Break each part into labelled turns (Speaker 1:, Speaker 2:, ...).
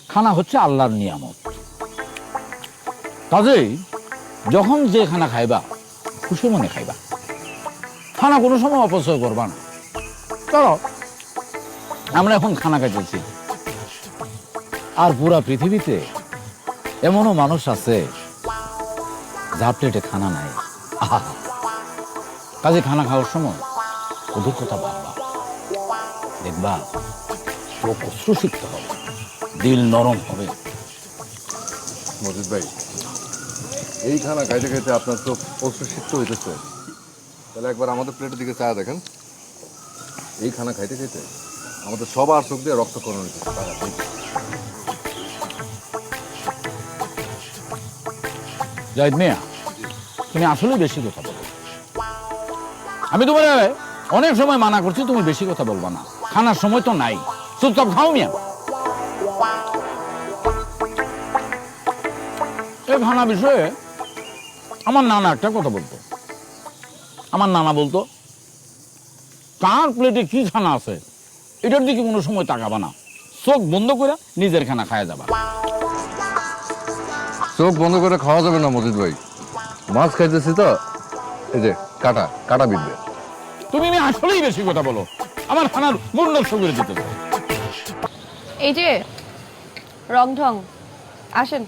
Speaker 1: খানা হচ্ছে আল্লাহর নিয়ামত। কাজেই যখন যে খানা খাইবা খুশি মনে খাইবা, খানা কোনো সময় অপচয় করবা না। চলো আমরা এখন খানা খাইতেছি, আর পুরা পৃথিবীতে এমনও মানুষ আছে যার প্লেটে খানা নাই। আহা, কাজে খানা খাওয়ার সময় ওদের কথা ভাববা, দেখবা চোখ অশ্রুসিক্ত হবে, দিল নরম হবে।
Speaker 2: মজিদ ভাই, এই খানা খাইতে খাইতে আপনার তো অশ্রুসিক্ত হইতেছে, তাহলে একবার আমাদের প্লেটের দিকে চা দেখেন। এই খানা খাইতে খাইতে আমাদের সবার চোখ দিয়ে রক্তক্ষরণ হইতেছে।
Speaker 1: জাহিদ মিয়া, তুমি আসলে বেশি কথা বলো। আমি তোমার অনেক সময় মানা করছি তুমি বেশি কথা বলবা না, খানার সময় তো নাই, চুপচাপ খাও মিয়া। এই খানা বিষয়ে আমার নানা একটা কথা বলতো। আমার নানা বলতো, কার প্লেটে কি খানা আছে এটার দিকে কোনো সময় তাকাবা না, চোখ বন্ধ করে নিজের খানা খায়া যাবা।
Speaker 2: চোখ বন্ধ করে খাওয়া যাবে না মজিদ ভাই, মাছ খাইতেছি তো, এই যে কাটা কাটা বিঁধবে।
Speaker 1: তুমি আসলেই বেশি কথা বলো, আমার খানার মূল নষ্ট করে দিতে চাও।
Speaker 3: এই যে রংঢং, আসেন।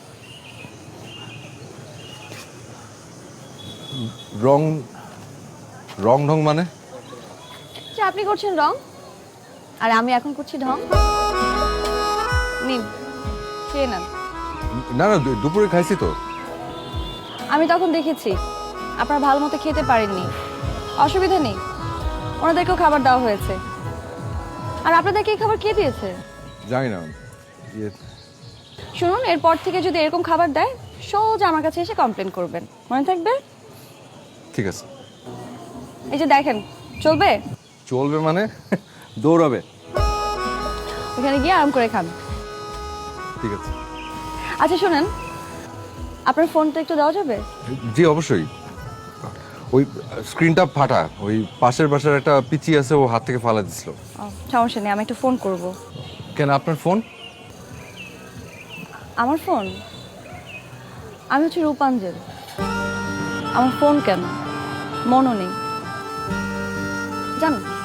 Speaker 2: রং রং ঢং মানে?
Speaker 3: যে আপনি করছেন রং, আর আমি এখন করছি ঢং। নিন, খেয়ে নেন।
Speaker 2: না না, দুপুরে খাইছি তো।
Speaker 3: আমি তখন দেখেছি আপনারা ভালো মতো খেতে পারেননি, অসুবিধা নেই, ওনাদেরকেও খাবার দেওয়া হয়েছে। আর আপনাদেরকে এই খাবার কে দিয়েছে?
Speaker 2: জানি না।
Speaker 3: শুনুন, এরপর থেকে যদি এরকম খাবার দেয় সোজা আমার কাছে এসে কমপ্লেন করবেন, মনে থাকবে?
Speaker 2: ঠিক আছে।
Speaker 3: এই যে দেখেন, চলবে?
Speaker 2: চলবে মানে? দৌড়াবে।
Speaker 3: ওখানে গিয়ে আরাম করে খান।
Speaker 2: ঠিক আছে।
Speaker 3: আচ্ছা শুনেন, আপনার ফোনটা একটু দেওয়া যাবে?
Speaker 2: জি অবশ্যই। ওই স্ক্রিনটা ফাটা, ওই পাশের বাসার একটা পিচি আছে, ও হাত থেকে ফালা দিছিল।
Speaker 3: সমস্যা নেই, আমি একটু ফোন করব।
Speaker 2: কেন, আপনার ফোন?
Speaker 3: আমার ফোন? আমি হচ্ছে রূপাঞ্জল, আমার ফোন কেন? মনও নেই, জান।